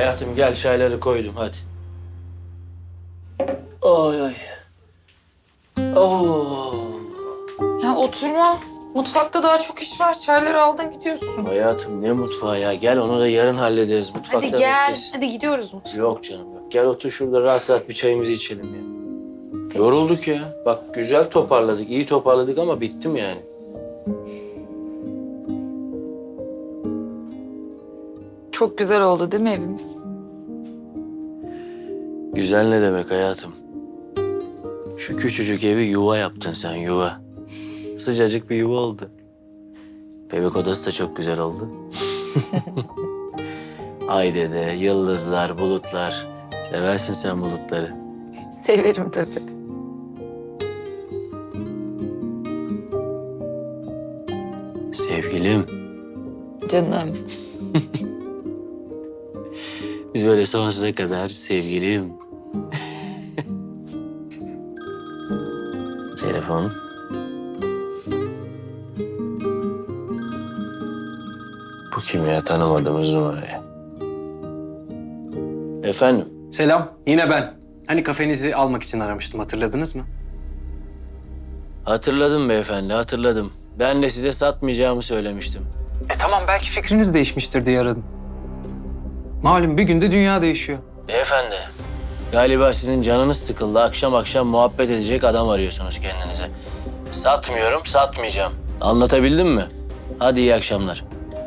Hayatım gel çayları koydum hadi. Ay ay. Oo. Ya oturma. Mutfakta daha çok iş var. Çayları aldın gidiyorsun. Hayatım ne mutfağı ya. Gel onu da yarın hallederiz. Mutfakta Hadi gel. beklesin. Hadi gidiyoruz mutfağa. Yok canım yok. Gel otur şurada rahat rahat bir çayımızı içelim ya. Peki. Yorulduk ya. Bak güzel toparladık, iyi toparladık ama bittim yani. Çok güzel oldu değil mi evimiz? Güzel ne demek hayatım? Şu küçücük evi yuva yaptın sen yuva. Sıcacık bir yuva oldu. Bebek odası da çok güzel oldu. Ay dede, yıldızlar, bulutlar. Seversin sen bulutları. Severim tabii. Sevgilim, Canım. biz böyle sonsuza kadar sevgilim. Telefon. Bu kim ya? Tanımadığımız numarayı. Efendim? Selam, yine ben. Hani kafenizi almak için aramıştım, hatırladınız mı? Hatırladım beyefendi, hatırladım. Ben de size satmayacağımı söylemiştim. Tamam, belki fikriniz değişmiştir diye aradım. Malum bir günde dünya değişiyor. Beyefendi, galiba sizin canınız sıkıldı. Akşam akşam muhabbet edecek adam arıyorsunuz kendinize. Satmıyorum, satmayacağım. Anlatabildim mi? Hadi iyi akşamlar.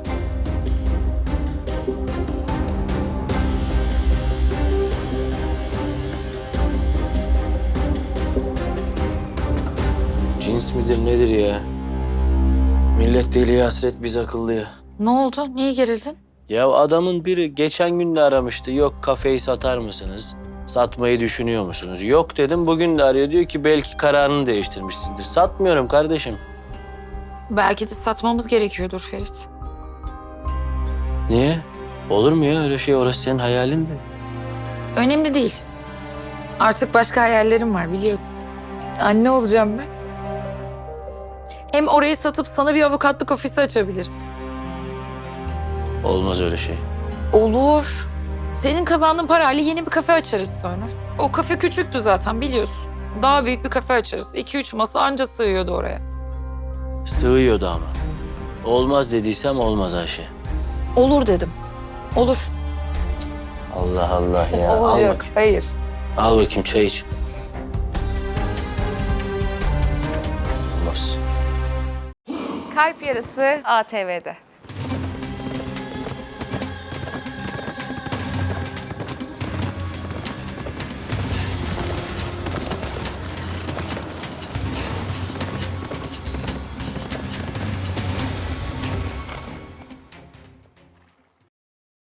Cins midir nedir ya? Millet deliye hasret biz akıllıya. Ne oldu? Niye gerildin? Ya adamın biri geçen gün de aramıştı. Yok kafeyi satar mısınız? Satmayı düşünüyor musunuz? Yok dedim. Bugün de arıyor. Diyor ki belki kararını değiştirmişsindir. Satmıyorum kardeşim. Belki de satmamız gerekiyordur Ferit. Niye? Olur mu ya öyle şey? Orası senin hayalin de. Önemli değil. Artık başka hayallerim var biliyorsun. Anne olacağım ben. Hem orayı satıp sana bir avukatlık ofisi açabiliriz. Olmaz öyle şey. Olur. Senin kazandığın parayla yeni bir kafe açarız sonra. O kafe küçüktü zaten biliyorsun. Daha büyük bir kafe açarız. 2-3 masa anca sığıyordu oraya. Sığıyordu ama. Olmaz dediysem olmaz Ayşe. Olur dedim. Olur. Allah Allah ya. Al Olacak. bakayım. Hayır. Al bakayım çay iç. Olmaz. Kalp Yarısı ATV'de.